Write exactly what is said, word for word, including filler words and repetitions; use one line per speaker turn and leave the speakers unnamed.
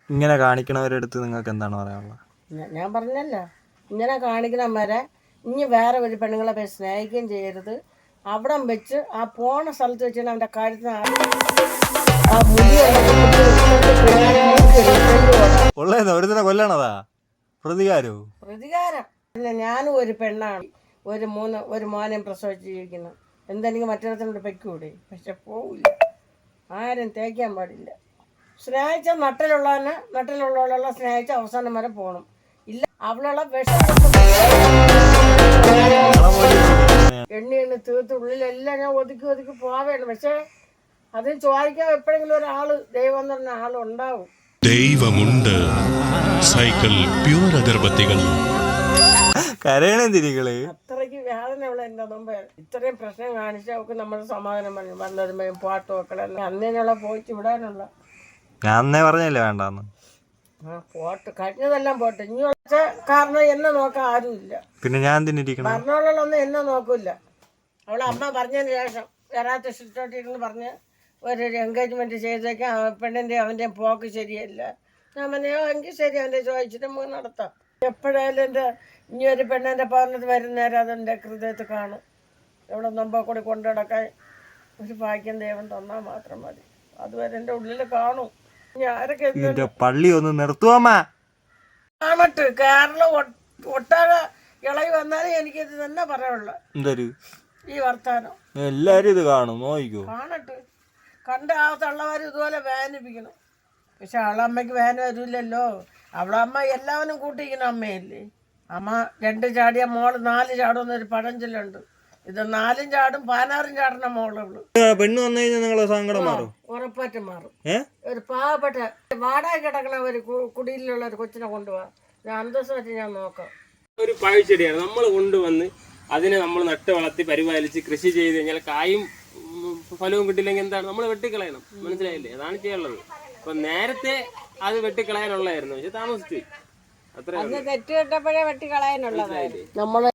ഇങ്ങനെ കാണിക്കണവരെടുത്ത് നിങ്ങൾക്ക് എന്താണ് പറയാനുള്ളത്?
ഞാൻ പറഞ്ഞല്ലോ, ഇങ്ങനെ കാണിക്കണവരെ ഇനി വേറെ ഒരു പെണ്ണുങ്ങളെ പോയി സ്നേഹിക്കുകയും ചെയ്യരുത്. അവിടം വെച്ച് ആ പോണ സ്ഥലത്ത് വെച്ചാൽ അവൻ്റെ കാര്യത്തിന് ആ മുടി
ഉള്ളതെന്ന് ഒരുത്തനെ കൊല്ലണതാ പ്രതികാരോ?
പ്രതികാരം. പിന്നെ ഞാനും ഒരു പെണ്ണാണ്, ഒരു മൂന്ന് ഒരു മോനെയും പ്രസവിച്ച് ജീവിക്കുന്നു. എന്തെനിക്ക് മറ്റൊരുത്തനോട് പെക്കൂടെ? പക്ഷെ പോവില്ല, ആരും തേക്കാൻ പാടില്ല. സ്നേഹിച്ച നട്ടിലുള്ളവനെ നട്ടിലുള്ളവളെ സ്നേഹിച്ച അവസാനം വരെ പോകണം. ഇല്ല അവളുള്ള വിഷം എണ്ണി എണ്ണി തീർത്ത് ഉള്ളിലെല്ലാം ഞാൻ ഒതുക്കി ഒതുക്കി പോവേണം. പക്ഷെ അത് ചോദിക്കാൻ എപ്പോഴെങ്കിലും ഒരാള് ദൈവം എന്ന് പറഞ്ഞ ആളുണ്ടാവും.
ദൈവമുണ്ട്. സൈക്കിൾ പ്യൂർ അഗർബത്തികൾ
കരയണെന്തിരികള്
അത്രയ്ക്ക് വേദന ഉള്ള എന്റെ മുമ്പ് ഇത്രയും പ്രശ്നം കാണിച്ച അവർക്ക് നമ്മുടെ സമാധാനം പറഞ്ഞു വന്നതുമ്പോഴും പാട്ട് വെക്കണം അന്നേനുള്ള പോയിട്ട് വിടാനുള്ള.
ഞാൻ അന്നേ പറഞ്ഞല്ലേ വേണ്ടെന്ന്.
ആ പോട്ട് കഴിഞ്ഞതെല്ലാം പോട്ടെ. ഇനി വെച്ച കാരണം എന്നെ നോക്കാൻ ആരുമില്ല.
പിന്നെ ഞാൻ എന്തിനിരിക്കണം?
പറഞ്ഞോളൊന്നും എന്നെ നോക്കൂല. അവളെ അമ്മ പറഞ്ഞതിന് ശേഷം വരാത്ത ഇഷ്ടോട്ടിരുന്ന് പറഞ്ഞ് ഒരു എൻഗേജ്മെന്റ് ചെയ്തേക്കാൻ പെണ്ണിൻ്റെ അവൻ്റെ പോക്ക് ശരിയല്ല. ഞാൻ പറഞ്ഞോ എങ്കിൽ ശരി, അവൻ്റെ ചോദിച്ചിട്ട് നമുക്ക് നടത്താം. എപ്പോഴായാലും എൻ്റെ ഇനി ഒരു പെണ്ണിൻ്റെ പറഞ്ഞത് വരുന്നേരം അതെൻ്റെ ഹൃദയത്തിൽ കാണും. എവിടെ നമ്പോ കൂടി കൊണ്ടു നടക്കാൻ ഒരു ഭാഗ്യം ദൈവം തന്നാൽ മാത്രം മതി. അതുവരെ എൻ്റെ ഉള്ളിൽ കാണും.
ആരൊക്കെ പള്ളി ഒന്ന് നിർത്തുവാമ്മ
കാണട്ട്. കേരളം ഒട്ടാകെ ഇളകി വന്നാലും എനിക്കിത് തന്നെ പറയാനുള്ള
എന്തൊരു
ഈ വർത്താനം
എല്ലാരും ഇത് കാണും, നോയിക്കോ.
കാണട്ട്. കണ്ട ആ തള്ളവർ ഇതുപോലെ വേദനിപ്പിക്കണം. പക്ഷെ അവളമ്മയ്ക്ക് വേദന വരില്ലല്ലോ. അവളെ അമ്മ എല്ലാവരും കൂട്ടിയിരിക്കുന്ന അമ്മയല്ലേ. അമ്മ രണ്ട് ചാടിയ മോള് നാല് ചാടുമെന്നൊരു പഴഞ്ചൊല്ലുണ്ട്. ഇത് നാലും ചാടും പതിനാറും ചാടുന്ന മോളുള്ളു.
പെണ്ണ് വന്നു കഴിഞ്ഞാൽ നിങ്ങളെ സങ്കടം മാറും,
ഉറപ്പായിട്ടും മാറും. ഒരു പാവപ്പെട്ട വാടക കിടക്കണ ഒരു കുടിയിലുള്ള ഒരു കൊച്ചിനെ കൊണ്ടുപോവാ. ഞാൻ അന്തസ്സായിട്ട് ഞാൻ നോക്കാം.
ഒരു പഴച്ചെടിയാണ് നമ്മൾ കൊണ്ടുവന്ന് അതിനെ നമ്മൾ നട്ട് വളർത്തി പരിപാലിച്ച് കൃഷി ചെയ്ത് കഴിഞ്ഞാൽ കായും ഫലവും കിട്ടില്ലെങ്കിൽ എന്താണ്, നമ്മൾ വെട്ടിക്കളയണം. മനസ്സിലായില്ലേ? അതാണ് ചെയ്യാനുള്ളത്. അപ്പൊ നേരത്തെ അത് വെട്ടിക്കളയാനുള്ളതായിരുന്നു, പക്ഷെ താമസിച്ചു. അത്ര
തെറ്റ് കിട്ടപ്പോഴേ വെട്ടിക്കളയാനുള്ളതായിരുന്നു. നമ്മള്